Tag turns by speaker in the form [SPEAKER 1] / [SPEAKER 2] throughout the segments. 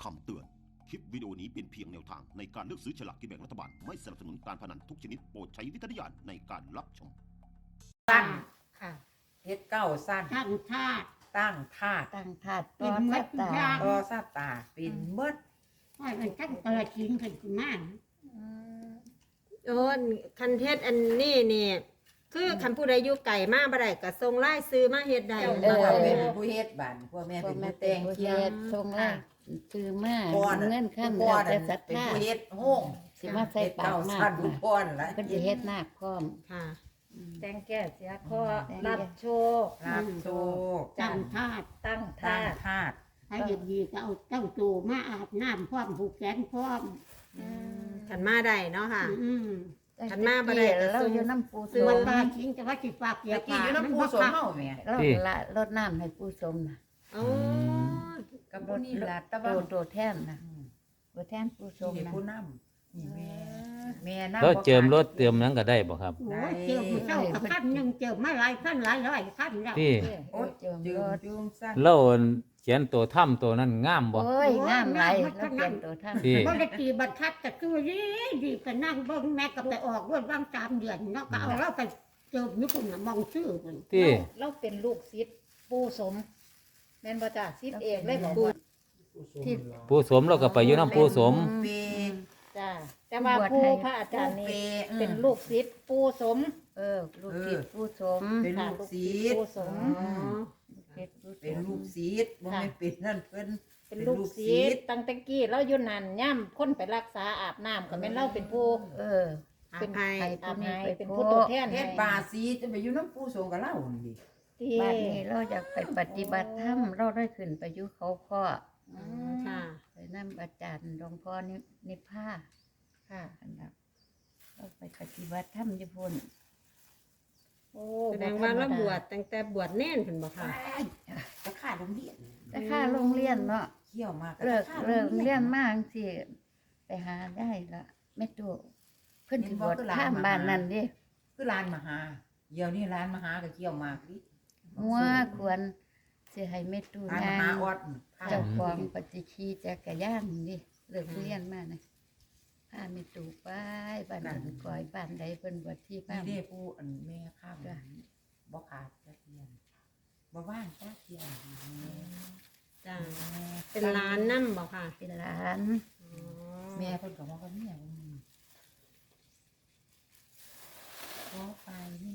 [SPEAKER 1] คำเตือน คลิปวิดีโอนี้เป็นเพียงแนวทางในการเลือกซื้อฉลากกินแบ่งรัฐบาล ไม่สนับสนุนการพนันทุกชนิดโปรดใช้วิจารณญาณในการรับชม
[SPEAKER 2] ตั้ง
[SPEAKER 3] ค่ะ
[SPEAKER 2] เฮ็ดเก้าสั้น
[SPEAKER 3] ตั้งท่า
[SPEAKER 2] ตั้งธาตุ
[SPEAKER 4] ตั้งถาด
[SPEAKER 3] เป็
[SPEAKER 4] ต่อน
[SPEAKER 3] เม็
[SPEAKER 4] สั
[SPEAKER 3] ด
[SPEAKER 4] ตตา
[SPEAKER 3] ยาง
[SPEAKER 2] ต่อซาตาเป็นเบิด
[SPEAKER 3] ว่ามันตั้งตลาดกินกันคุณมาก
[SPEAKER 4] โอ้คันเทศอันนี้นี่คือคันผู้ใดอยู่ไก่มาบ่ได้ก็ส่งไล่ซื้อมาเฮ็ดได้
[SPEAKER 2] เจ้าพ่อเป็นผู้เฮ็ดบ้านพ่อแม่
[SPEAKER 4] พ่อ
[SPEAKER 2] เป็น
[SPEAKER 4] แม่
[SPEAKER 2] ผู้
[SPEAKER 4] แต่
[SPEAKER 2] แต่
[SPEAKER 4] ง
[SPEAKER 2] ง
[SPEAKER 4] เกี
[SPEAKER 2] เคี
[SPEAKER 4] ย
[SPEAKER 2] ย
[SPEAKER 4] รติส่งไล่ซื้อมา
[SPEAKER 2] พ่อ
[SPEAKER 4] เงินขั้น
[SPEAKER 2] พ่อ
[SPEAKER 4] แล้วแต่
[SPEAKER 2] นั่น
[SPEAKER 4] ศรัท
[SPEAKER 2] เป็น
[SPEAKER 4] ธา
[SPEAKER 2] ผู้เฮ็ดโฮ่ง
[SPEAKER 4] สิมาใส่
[SPEAKER 2] เฮ็ด
[SPEAKER 4] ปาก
[SPEAKER 2] เก้า
[SPEAKER 4] มา
[SPEAKER 2] สั้น
[SPEAKER 4] ก
[SPEAKER 2] ผู้พ่อนละ
[SPEAKER 4] เพิ่นสิเฮ็ดนาคพร้อม
[SPEAKER 3] ค่ะ
[SPEAKER 5] แต่งแก้เสียข้อ
[SPEAKER 4] แต่ง
[SPEAKER 5] รับโชค
[SPEAKER 2] รับโชค
[SPEAKER 3] ตั้งท่า
[SPEAKER 5] ตั้ง
[SPEAKER 2] ตั้
[SPEAKER 5] ท่าง
[SPEAKER 2] ธาตุ
[SPEAKER 3] ให้ดีๆก็เอาเจ้าตูมาอาบน้ำพร้อมผูกแขนพร้อม
[SPEAKER 4] คันมาได้เนาะค่ะ
[SPEAKER 3] อืม
[SPEAKER 4] ขันมาบ่ได้ก็เราส่งอยู่น้ำปู
[SPEAKER 3] ซื้
[SPEAKER 4] ส
[SPEAKER 3] อ
[SPEAKER 4] ม
[SPEAKER 3] ปลาทิ้งแต่ว่าสิฝากเกีย
[SPEAKER 2] ตะ
[SPEAKER 3] ร์
[SPEAKER 2] กี้อยู่น้ำผู้สมเฮาแม่
[SPEAKER 4] เราละรดน้ำให้ปูสมน่ะโอ้
[SPEAKER 2] กับผู้นี่ล่ะตะ
[SPEAKER 4] โต
[SPEAKER 2] ว่า
[SPEAKER 4] โตแท่นน่ะตัวแท่นปูสม
[SPEAKER 2] นี่
[SPEAKER 4] น่ะ
[SPEAKER 2] ผู้นำนี่แม่นำ
[SPEAKER 6] แล้วเจิมรถเติมหยังก็ได้บ่ครับ
[SPEAKER 3] โอ้ยเจอผู้เจ้ากับขั้นหนึ่งเจอมาหลายขั้นหลายร้อยขั้นแล้ว
[SPEAKER 6] ที่
[SPEAKER 2] โอ้ย
[SPEAKER 4] เจิม
[SPEAKER 2] จื
[SPEAKER 4] ร
[SPEAKER 2] ม
[SPEAKER 4] ถ
[SPEAKER 2] จุงสั้น
[SPEAKER 6] เล่าเขียนตัวถ้ำตัวนั้นงามบ่
[SPEAKER 4] โอ้ยงามหลายแล้วเขียนตัวท่าน
[SPEAKER 6] ที่
[SPEAKER 3] บ่ได้ตีบัตรทัดแต่คือดีก็นั่งเบิ่งแม่ก็ไปออกรถว่าง3 เดือนเนาะก็เอาเราไปเจอญี่ปุ่นน่ะมองชื่อเพิ่น
[SPEAKER 6] ที่
[SPEAKER 5] เราเป็นลูกศิษย์ปู่สมแม่นบ่จ้าศิษย์เอกเลยบอกว่า
[SPEAKER 4] ที่
[SPEAKER 6] ผู้สมเราก็ไปอยู่น้ำผู้สม
[SPEAKER 2] เป
[SPEAKER 5] จ้าแต่ว่า
[SPEAKER 4] บวช
[SPEAKER 5] ผู้
[SPEAKER 4] ให้
[SPEAKER 5] พระอาจารย์นี่
[SPEAKER 2] เป็
[SPEAKER 5] เป็น นลูกศิษย์ปู่สม
[SPEAKER 4] ลูกศิษย์ผู้สม
[SPEAKER 2] เป็น
[SPEAKER 5] ค่ะ
[SPEAKER 2] ลูก
[SPEAKER 5] ลูก
[SPEAKER 2] ศิ
[SPEAKER 5] ศิษย์
[SPEAKER 2] ษย์
[SPEAKER 5] ปู่สม
[SPEAKER 4] ศิษย์ผู้สม
[SPEAKER 2] เป็นลูกศิษย์บ่แม่นเป็นนั่นเพิ่น
[SPEAKER 5] เป็นลูกศิษย์ตั้งแต่กี้เราอยู่นั่นย่ำคนไปรักษาอาบน้ำก็แม่นเราเป็นผู้
[SPEAKER 4] เป็นไทย
[SPEAKER 5] อา
[SPEAKER 4] ผู้
[SPEAKER 5] บ
[SPEAKER 4] นี้
[SPEAKER 5] ให้
[SPEAKER 4] ไป
[SPEAKER 5] เป็น
[SPEAKER 4] พู
[SPEAKER 5] ผู้
[SPEAKER 4] ด
[SPEAKER 5] ตัวแทน
[SPEAKER 2] เฮ็
[SPEAKER 5] ให้
[SPEAKER 2] ดบาสีจะไปอยู่น้ำปูสงกับเรานี่ดิ
[SPEAKER 5] ที่
[SPEAKER 4] บ้านนี้เราอยากไปปฏิบัติธรรมเราได้ขึ้นไปอยู่เขาข้อ
[SPEAKER 3] ค่ะ
[SPEAKER 4] ไปนั่งอาจารย์หลวงพ่อนิพพา
[SPEAKER 5] ค่ะ
[SPEAKER 4] อันดับเราไปปฏิบัติธรรมญี่ปุ่น
[SPEAKER 5] โอ้
[SPEAKER 4] แสดงว่าเราบวชตั้งแต่บวชเน่นเพิ่นบ่ค่ะ
[SPEAKER 2] ตะขาโรงเรียน
[SPEAKER 4] แต่ค่าโรงเรียนเนาะ
[SPEAKER 2] เขี่ยวมาก
[SPEAKER 4] เลิกเรียนมากสิไปหาได้ละไม่ตัวเพิ่นสิบวชข้ามบ้านนั่นดิ
[SPEAKER 2] คือร้านมหาเดี๋ยวนี้ร้านมหาก็เขี่ยวมากดิ
[SPEAKER 4] งัวควรสิให้แม่ตู้
[SPEAKER 2] ร้านม
[SPEAKER 4] นาง
[SPEAKER 2] หาออด
[SPEAKER 4] เจ้าของปฏิชีจักรยานดิเลิกเรียนมานะพาแม่ตู้ไปบ้านอื่นก่อยบ้านใดเพิ่นบวชที่บ้า
[SPEAKER 2] นี่
[SPEAKER 4] น
[SPEAKER 2] เด้ผู้อันแม่ข้ามบ่ขาดจักเทียนบ่ว่างจักเทียน
[SPEAKER 4] จ้าเป็นร้านน้ำบ่ค่ะเป็นหลาน
[SPEAKER 2] แม่เพิ่นก็ว่าก็เนี่ยขอไปนี่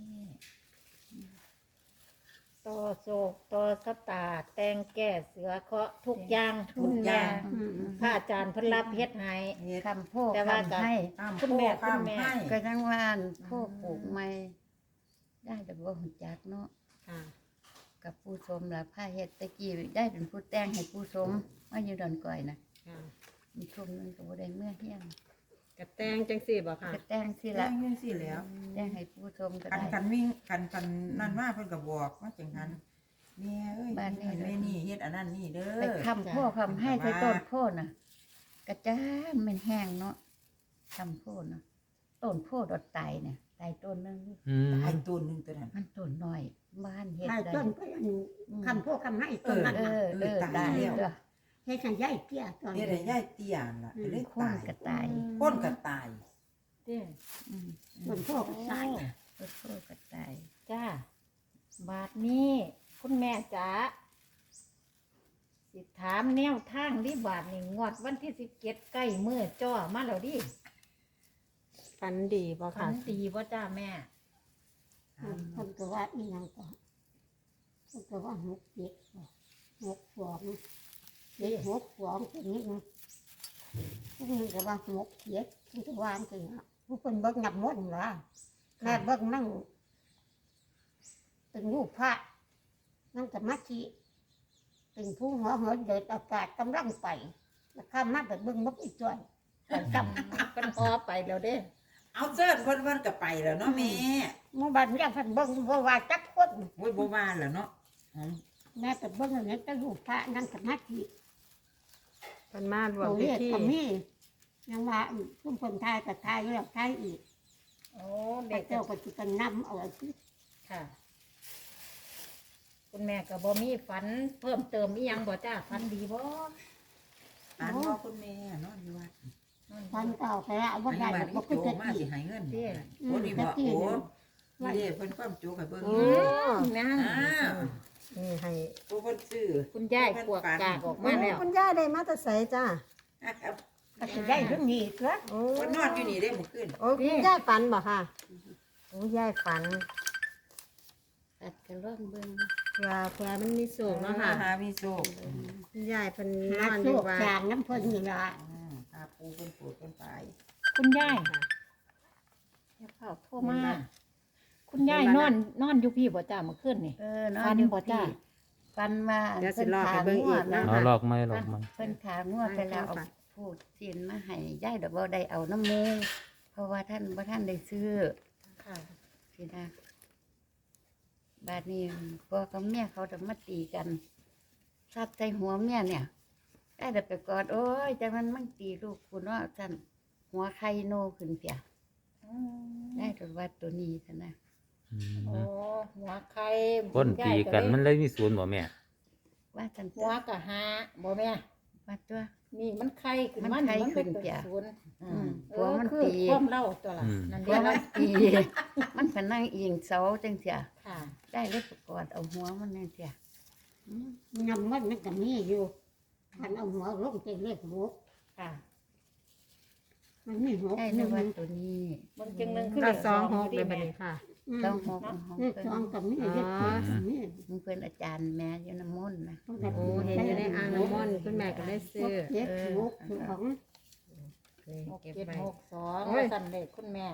[SPEAKER 5] ต่อโศกต่อสตาแต่งแก้เสือเคาะทุกอย่างคุณแม่พระอาจารย์เพิ่นรับเฮ็ดให้
[SPEAKER 2] เฮ็ด
[SPEAKER 4] คำพูด
[SPEAKER 5] แต่ว่า
[SPEAKER 4] คำให้
[SPEAKER 2] ข้าม
[SPEAKER 5] คุณแม่
[SPEAKER 2] ข้าม
[SPEAKER 5] คุณแม่
[SPEAKER 2] ให้
[SPEAKER 4] ก็ยังว่าอันพ่อปลูกไม่ได้แต่ว่าหุ่นจักเนาะ
[SPEAKER 3] ค่ะ
[SPEAKER 4] กับผู้ชมละผ้าเฮ็ดตะกี้ได้เป็นผู้แต่งให้ผู้ชมมาอยู่ดอนก่อยนะ
[SPEAKER 3] ค่ะ
[SPEAKER 4] มีชมนึงก็บ่ได้เมื่อเฮียง
[SPEAKER 3] กระแตงจังสี่บ่ค่ะ
[SPEAKER 4] ก็แต่งสิ
[SPEAKER 2] แล้
[SPEAKER 4] ละ
[SPEAKER 2] วจังซี่แล้ว
[SPEAKER 4] แต่งให้ผู้ชมก็
[SPEAKER 2] คัน
[SPEAKER 4] ได้
[SPEAKER 2] คันวิ่งคันนั่นมาเพิ่นก็บอกว่าจังหันแม่เอ้ย
[SPEAKER 4] บ้านนี้
[SPEAKER 2] แม่นี่เฮ็ดอันนั้นนี่เด้อ
[SPEAKER 4] ไปคำพ่อคำให้ใส่ต้นโพดน่ะกระจ้างมันแห้งเนาะคำโพดน่ะต้นโพดดอกไตเนี่ยไตต้นนึง
[SPEAKER 6] อืม
[SPEAKER 2] ตายต้นหนึงตัวนั้น
[SPEAKER 4] มันต้นน้อยบ้านเฮ็ด
[SPEAKER 3] ให้
[SPEAKER 4] ได้
[SPEAKER 3] ต้นไปอันคำพวกคำให้ต้นนั้น
[SPEAKER 4] เอ
[SPEAKER 3] น่ะ
[SPEAKER 4] อได้เด้อ
[SPEAKER 3] ให้ฉันย้ายเตี้ยตอน
[SPEAKER 2] เฮ็ดให้ยายเตี้ยนล่ะเลย
[SPEAKER 4] คน
[SPEAKER 2] ตาย
[SPEAKER 4] กระตาย
[SPEAKER 2] คนก็ตาย
[SPEAKER 5] เด้
[SPEAKER 4] อืม
[SPEAKER 3] ต้นพวกสาย
[SPEAKER 4] ต้นโพดกระตาย
[SPEAKER 5] จ้าบาทนี้คุณแม่จ๋าสิถามแนวทางดิบาทนี่งวดวันที่17ใกล้มื้อจ้อมาแล้วดิ
[SPEAKER 4] ฝันดีบ่
[SPEAKER 5] ฝั
[SPEAKER 4] ค่ะ
[SPEAKER 5] นดีบ่จ้าแม่
[SPEAKER 3] คนก็ว่าอีหยังก็คนก็ว่า6 7 6 2 7 6 2ตัวนี้นะผู้นึงก็ว่า6 7ที่วางกันนะผู้คนเบิ่งนับหมดล่ะแม่เบิ่งนั่งเป็นรูปพระนั่งสมาธิเป็นผู้หัวเหินเดินอากาศกำลังไปแล้วข้ามมาแบบเบิ่งนกอีกจ้อยไปจับ
[SPEAKER 5] เป็นพอไปแล้วเด้
[SPEAKER 2] เอาเสิร์ชเพิ่นก็ไปแล้วเนาะแม่
[SPEAKER 3] หมู่บ้านยังเพิ่นเบิ่งบ่ว่าจักคน
[SPEAKER 2] โอ้ยบ่ว่าแล้วเนาะอ๋อ
[SPEAKER 3] แม่แต่เบิ่งอันนี้แต่รูปพระนั่งสมาธิ
[SPEAKER 4] เพิ่นมารวม
[SPEAKER 3] โอ้
[SPEAKER 4] พิ
[SPEAKER 3] ย
[SPEAKER 4] ธี
[SPEAKER 3] ก็มียังว่าซุ่มคนไทยกับไทยแล้วไทยอีก
[SPEAKER 5] โอ้
[SPEAKER 3] แต่
[SPEAKER 5] เด็ก
[SPEAKER 3] เจ้าก็สิกันนำเอาสิ
[SPEAKER 5] ค่ะ คุณแม่ก็บ่มีฝันเพิ่มเติมอีหยังบ่จ้าฝันดีบ่
[SPEAKER 2] คุณแม่นอนอยู่วัด
[SPEAKER 3] ฟันเก่าไปแล้วบ่
[SPEAKER 2] อัน
[SPEAKER 3] ได้
[SPEAKER 2] นี้บัด
[SPEAKER 3] บ่
[SPEAKER 2] นี้
[SPEAKER 3] คือ
[SPEAKER 2] โจ
[SPEAKER 3] จะ
[SPEAKER 2] มา
[SPEAKER 3] กิ
[SPEAKER 2] สิ
[SPEAKER 3] น
[SPEAKER 2] ให้เงินโอ้นี่บ่โอ้นี่เด้เพิ่นความโจให้เบิ่ง
[SPEAKER 5] นั่น
[SPEAKER 3] นี่ให้
[SPEAKER 2] โอ้เพิ่นซื้อ
[SPEAKER 5] คุณยายปวกกากออกมาแล้ว
[SPEAKER 3] คุณย่าได้มาแต่ไสจ้า
[SPEAKER 2] ก็สิได้เพิ่นนี่
[SPEAKER 3] โอ้
[SPEAKER 2] เพิ่นนอนอยู่นี่เด้มื้อคืน
[SPEAKER 3] โอ้คุณย่าฝันบ่ค่ะโอ้ย่าฝัน
[SPEAKER 4] ตัดกันร่องเบิ่ง
[SPEAKER 3] เพื่อมันมีสูงเนาะค่ะ
[SPEAKER 2] หามีโชค
[SPEAKER 3] คุณย่าเพิ่นนอนอยู่ว่าจางน้ำเพิ่นนี่ล่ะ
[SPEAKER 2] ตาปูเพิ่นปวดเพิ่นตาย
[SPEAKER 5] คุณยายอย่าเผาโทรมา คุณยายนอนอยู่พี่บ่จ้าเมื่อคืนนี่
[SPEAKER 4] นอ
[SPEAKER 5] ฟั
[SPEAKER 4] น
[SPEAKER 5] น
[SPEAKER 4] อยู่
[SPEAKER 5] บ่จ้า
[SPEAKER 4] ที่ฟันมา
[SPEAKER 3] เดี๋ยวสิรอไปเบิ่งอีกนะ
[SPEAKER 6] เอาลอกไม้ลอกไม้
[SPEAKER 4] เพิ่นขางวดไปแล้วเอาพูดสินมาให้ยายดอกบ่ได้เอาน้ำมูกเพราะว่าท่านบ่ท่านได้ซื้อ
[SPEAKER 5] ค่ะ
[SPEAKER 4] สินะบาดนี้พ่อกับแม่เขาจะมาตีกันซัดใส่หัวแม่เนี่ยได้แต่ไปกอดโอ้ยแต่มันตีลูกคุณว่าจันหัวไข่โนขึ้นเสียได้ตัววัดตัวนี้ซะนะ
[SPEAKER 6] อืม
[SPEAKER 5] โอ้หัวไข่
[SPEAKER 6] คนตีกันมันเลยมีศูนย์บ่แม่
[SPEAKER 4] ว่าจัน
[SPEAKER 5] หัวกะหาบ่แม่
[SPEAKER 4] วัดตัว
[SPEAKER 5] นี่มันไข่ขึ้น
[SPEAKER 4] มัน
[SPEAKER 5] มัน
[SPEAKER 4] ไข่ขึ้น
[SPEAKER 5] เป็
[SPEAKER 4] เปีย
[SPEAKER 5] ศูนย์
[SPEAKER 4] หัวมัน
[SPEAKER 5] คือ
[SPEAKER 4] ตี
[SPEAKER 5] ความเล่าตัวละนั่น
[SPEAKER 4] หั
[SPEAKER 5] เดี
[SPEAKER 4] ว
[SPEAKER 5] ยว
[SPEAKER 4] มั
[SPEAKER 5] นะ
[SPEAKER 4] นตี มันก็นั่งเอียงเสาจังเสีย
[SPEAKER 5] ค่ะ
[SPEAKER 4] ได้เลยไปกอดเอาหัวมันนั่นเสีย
[SPEAKER 3] น้ำมันก็มีอยู่คันเอาหัวลงเป็นเลขหก
[SPEAKER 5] ค่ะ
[SPEAKER 3] มันมีหก
[SPEAKER 4] ได้ในวัดตัวนี้
[SPEAKER 5] มันจึงนึงขึ้น
[SPEAKER 7] ก็
[SPEAKER 5] เลข
[SPEAKER 7] สองหก
[SPEAKER 5] ดี
[SPEAKER 7] เลยบัด
[SPEAKER 5] แม่
[SPEAKER 7] นี้ค่ะ
[SPEAKER 4] ต้องหกของ
[SPEAKER 3] เลข
[SPEAKER 4] เพิ่
[SPEAKER 3] สอง
[SPEAKER 4] น
[SPEAKER 3] กับมีเลขเจ็ดกับมี
[SPEAKER 4] มึงเป็นอาจารย์แม่อยู่น้ำมนต์นะ
[SPEAKER 7] โอ้เห็นอยู่ในอ่างน้ำมนต์คุณแม่ก็ได้ซื้อ
[SPEAKER 3] เจ็ดหกสอง
[SPEAKER 5] หก
[SPEAKER 7] เก็บ
[SPEAKER 5] เจ็ด
[SPEAKER 7] ไว้
[SPEAKER 5] หกสอง
[SPEAKER 7] โอ้ย
[SPEAKER 5] สั่นเลขคุณแม่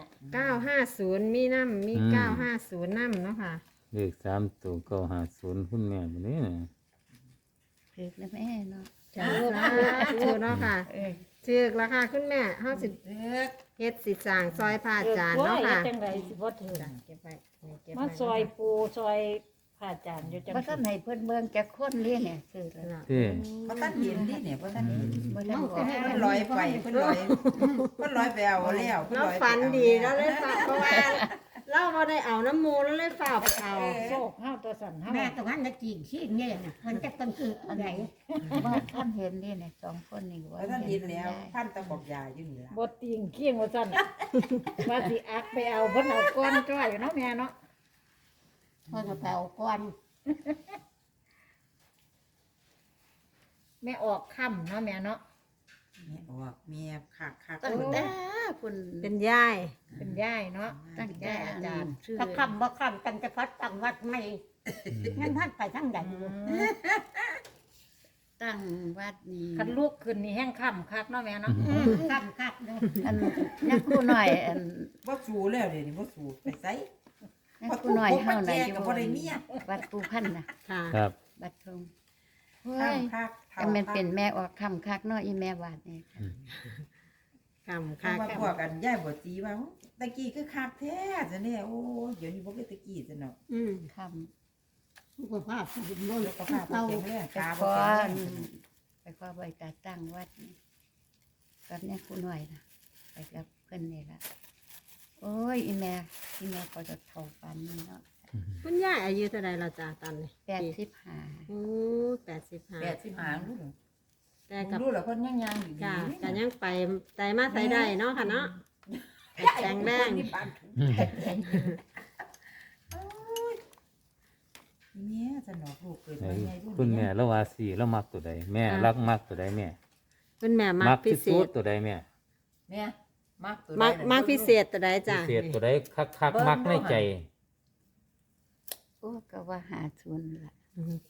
[SPEAKER 7] 950มีน้ำมี950น้ำเนาะค่ะ
[SPEAKER 6] เลข3ตัว950คุณแม่บ่นี้น่ะ
[SPEAKER 4] ถึกนะแม่เนาะ
[SPEAKER 7] จ้าถูกเนาะค่ะ
[SPEAKER 4] เออ
[SPEAKER 7] ถือกราคาคุณแม่เฮาสิ
[SPEAKER 2] เด้อ
[SPEAKER 7] เฮ็ดสิสร้างซอยพระอาจารย์เนาะค่ะ
[SPEAKER 5] จังไรสิบ่ถือ
[SPEAKER 7] จ้ะเก็บไว้นี่เก็บ
[SPEAKER 5] มา
[SPEAKER 7] ไว้
[SPEAKER 5] ซอยปูซอยผ่าจานอยู่จัง
[SPEAKER 4] บ่ทันให้เพิ่นเบิ่งจักคนเลี้ยงเนี่ยคือแล้ว
[SPEAKER 7] เนาะ
[SPEAKER 6] ที่
[SPEAKER 2] บ่ทันเห็นดิเนี่ยบ่ทันเห็น
[SPEAKER 4] บ่ทันบอก
[SPEAKER 2] เพิ่นลอยไปเพิ่นลอยไปเอาแล้วเพิ่น
[SPEAKER 7] เรา
[SPEAKER 2] ลอยไป
[SPEAKER 7] ฝัน
[SPEAKER 2] เอา
[SPEAKER 7] ดีแล้วเลยฝากเพราะว่าเราบ่ได้เอาน้ำมูแล้วเลยฝากไปเอา
[SPEAKER 5] โชคเฮาตัวสั่นเฮา
[SPEAKER 3] แม่ตรงนั้นจะกินขี้เนี่ยนะมันจะเป็นคืออะไร
[SPEAKER 4] ว่าท่านเห็นนี่เนี่ยสองคนนี่
[SPEAKER 2] บ่ทันเห็นแล้วท่านตะบอกยาอยู่นี่ล่ะ
[SPEAKER 5] บ่ติงเคียงว่าสั่นว่าสิอักไปเอาเพิ่นเอาก้อนจ้อยเนาะแม่เนาะ
[SPEAKER 3] พอจะแปลก่อน
[SPEAKER 5] แม่ออกค่ำเนาะแม่เนาะ
[SPEAKER 2] แม่ออกแม่คัก
[SPEAKER 4] ตั้งแต่คุณ
[SPEAKER 7] เป็นยาย
[SPEAKER 5] เป็นยายเนาะ
[SPEAKER 4] ตั้งแต่
[SPEAKER 5] ยายอาจารย์
[SPEAKER 4] ชื่อ
[SPEAKER 3] ถ้าคำบ่คำตั้งแต่พัดตั้งวัดไม่งั้นท่านไปทั้งใด
[SPEAKER 4] ตั้งวัดนี่
[SPEAKER 5] คันลูกขึ้นนี่แห้งค่ำคักเนาะแม่เนาะ
[SPEAKER 3] คำคักเลย
[SPEAKER 4] อันนักคู่หน่อยอัน
[SPEAKER 2] บ่สู้แล้วเดี๋ยวนี้บ่สู้ไปไส
[SPEAKER 4] นักคู่หน่อยเฮาน่ะ
[SPEAKER 2] ก็บ่ได้เมีย
[SPEAKER 4] วัดปูพันธุ์น่ะ
[SPEAKER 7] ค่ะ
[SPEAKER 6] ครับ
[SPEAKER 4] วัดทงเฮ้
[SPEAKER 2] ข้าง
[SPEAKER 4] ย
[SPEAKER 2] คัก
[SPEAKER 4] แต่มันเป็นแม่ออกคำคักเนาะอีแม่วาดนี่ค่ะ
[SPEAKER 7] กำ
[SPEAKER 2] ข้า
[SPEAKER 7] ค่ะ
[SPEAKER 2] มาพวกกันยายบ่ตีว่าตะกี้คือคักแท้ซะเนี่ยโอ้เดี๋ยวนี้บ่คือตะกี้ซะเนาะ
[SPEAKER 4] ค
[SPEAKER 3] สุขภาพสุขภาพ
[SPEAKER 2] แล้วก็พาไปแข็งแรง
[SPEAKER 4] ำไป
[SPEAKER 2] ตา
[SPEAKER 4] ข
[SPEAKER 2] บ่
[SPEAKER 4] อ
[SPEAKER 2] แข็งแรง
[SPEAKER 4] ไปขอใบตาตั้งวัดนี่ตอนนี้คู่หน่อยนะไปกับเพื่อนนี่ละโอ้ยอีแม่ก็จะเท่าปันนี่เนาะ
[SPEAKER 7] คุณยายอายุเท่าไรเราจ้าตอนนี้
[SPEAKER 4] 85
[SPEAKER 7] โอ้85
[SPEAKER 2] 85ลูก
[SPEAKER 7] แต่กับ
[SPEAKER 2] ลูกแล้วเพิ่นยังอยู่
[SPEAKER 7] จ้า
[SPEAKER 2] ดี
[SPEAKER 7] ก็ยังไปไตมาไตได้เนาะค่ะเนาะแข็งแรง
[SPEAKER 2] นี่ปานถุงแม่สนอกลูกเกิด
[SPEAKER 6] ไหน
[SPEAKER 2] มาใหญ่รุ่น
[SPEAKER 6] คุณแม่ละว่า4แล้วมักตัวใดแม่รักมักตัวใดแม่
[SPEAKER 7] คุณแม่มักพิ
[SPEAKER 6] ที่
[SPEAKER 7] เศ
[SPEAKER 6] สุด
[SPEAKER 7] ษ
[SPEAKER 6] ตัวใดแม่
[SPEAKER 2] แม่มักตัว
[SPEAKER 7] มักพิเศษตัวใด
[SPEAKER 6] พิ
[SPEAKER 7] จ้า
[SPEAKER 6] เศษตัวใดคักๆมักในใจ
[SPEAKER 4] โอ้ก็ว่า50ล่ะ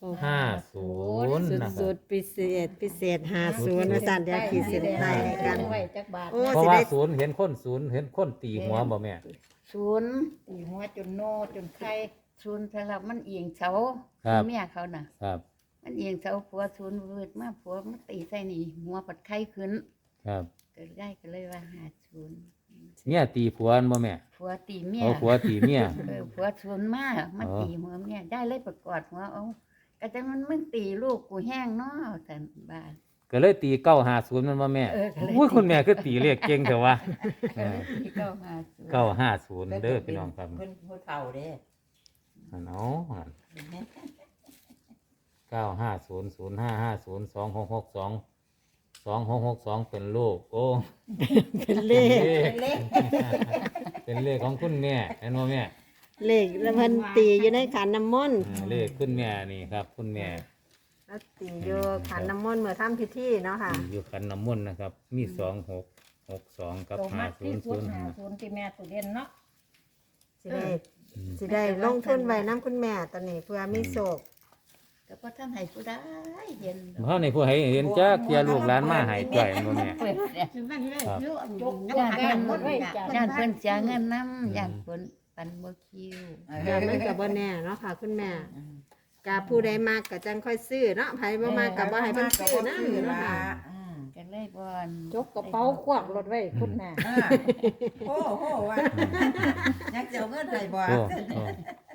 [SPEAKER 6] 50นะครับ
[SPEAKER 7] สุดๆพิเศษ50อาจารย์เดี๋ยวขีดเส้นใต้ให้กัน
[SPEAKER 5] ไว้จักบาท
[SPEAKER 7] โอ้
[SPEAKER 6] เพราะ
[SPEAKER 7] สิ
[SPEAKER 6] ว่า
[SPEAKER 7] ได้
[SPEAKER 6] ศูนย์เห็นคนศูนย์เห็นคนตีหัวบ่แม่
[SPEAKER 4] 0
[SPEAKER 5] ตีหัวจนโนจนไข่
[SPEAKER 4] 0สำหรับมันเอียงเสา
[SPEAKER 6] ครับ
[SPEAKER 4] เมียเขาน่ะ
[SPEAKER 6] ครับ
[SPEAKER 4] มันเอียงเสาผัว0วืดมาผัวมาตีใส่นี่หัวปัดไข้ขึ้น
[SPEAKER 6] ครับ
[SPEAKER 4] ก็ได้ก็เลยว่า50
[SPEAKER 6] เนี่ยตีผัวบ่แม่
[SPEAKER 4] ผัวตีเมีย
[SPEAKER 6] เอาผัวตีเมีย
[SPEAKER 4] ผัวชวนมามัน
[SPEAKER 6] อ๋อ
[SPEAKER 4] ตีหัวเมียได้เลยประกอดหัวเอาก็จังมันมึงตีลูกกูแห้งเนาะแต่บ้าน
[SPEAKER 6] ก็เลยตี950มันบ่แม่
[SPEAKER 4] ก็เลย
[SPEAKER 6] อุ้ยคุณแม่คือตีเลขเก่งแต่ว่า
[SPEAKER 4] ก็เลยตีเก้าหาศูนย์
[SPEAKER 6] 950เด้อพี่น้องครับ
[SPEAKER 2] เพิ่นผู้เฒ่าเด้
[SPEAKER 6] อันเอาอัน950 0550 2662 2662เป็นลูกโอ้
[SPEAKER 5] เป็นเลข
[SPEAKER 6] เป็นเลขของคุณแม่เห็นบ่แม่
[SPEAKER 5] เลขแล้วเพิ่นตีอยู่ในขันน้ำมนต์
[SPEAKER 6] เลขคุณแม่นี่ครับ คุณแม่
[SPEAKER 5] แล้วตีอยู่ขันน้ำมนต์เมื่อทำพิธีเนาะค่ะ
[SPEAKER 6] อยู่ขันน้ำมนต์นะครับ มี2662กับ
[SPEAKER 7] โตมากที่สุดหา
[SPEAKER 6] 5005
[SPEAKER 7] ศูนย์ที่แม่ตัวเด่นเนาะ
[SPEAKER 5] สิได้ลงทุนไว้น้ำคุณแม่ตอนนี้เพื่อมีโศก
[SPEAKER 4] ก็บ่ทันให้ผู้ใดเห็นดอก
[SPEAKER 6] เฮานี่ผู้ให้เห็นจักเที่ยลูกหลานมาให้จ่อยบ่แม่
[SPEAKER 4] เปิดเนี่ย
[SPEAKER 3] คือมันเลย
[SPEAKER 6] ครับ
[SPEAKER 3] เยอะจก
[SPEAKER 7] ยกแก้มหมดเลยจ้ะ
[SPEAKER 4] ย่านเพิ่นเสียเงินนำย่านเพิ่นปันบ่คิว
[SPEAKER 5] แต่มันก็บ่แน่เนาะค่ะ คุณแม่กาผู้ใดมากก็จังค่อยซื้อเนาะไผบ่มากก็บ่ให้เพิ่นซื้อนะเนาะค่ะ
[SPEAKER 4] ก็เลยบ่อน
[SPEAKER 7] ยกกระเป๋าควักรถไว้คุณแม่
[SPEAKER 2] โอ้โหว่ายักเจ้าเงินได้บ่
[SPEAKER 6] โอ้โอ้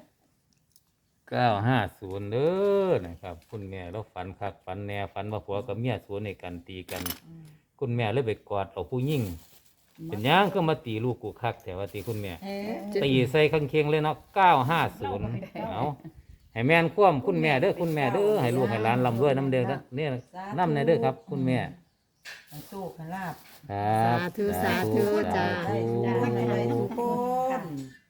[SPEAKER 6] 950เด้อนะครับ คุณแม่เราฝันคักฝันแน่ฝันว่าผัวกับเมียสวนในกันตีกัน คุณแม่เลยไปกอดเอาผู้หญิงเป็นหยังก็มาตีลูกกูคักแต่ว่าตีคุณแม่ ตีใส่ข้างเคียงเลยเนาะ950เอาให้แม่นคว่ำคุณแม่เด้อคุณแม่เด้อให้ลูกให้หลานร่ำรวยน้ำเด้อนะเนี่ยน้ำในเด้อครับ คุณแม่
[SPEAKER 2] สู้ขลาบ
[SPEAKER 6] ครับ
[SPEAKER 5] สาธุสาธุจ้า
[SPEAKER 6] สาธุ
[SPEAKER 2] ทุกคน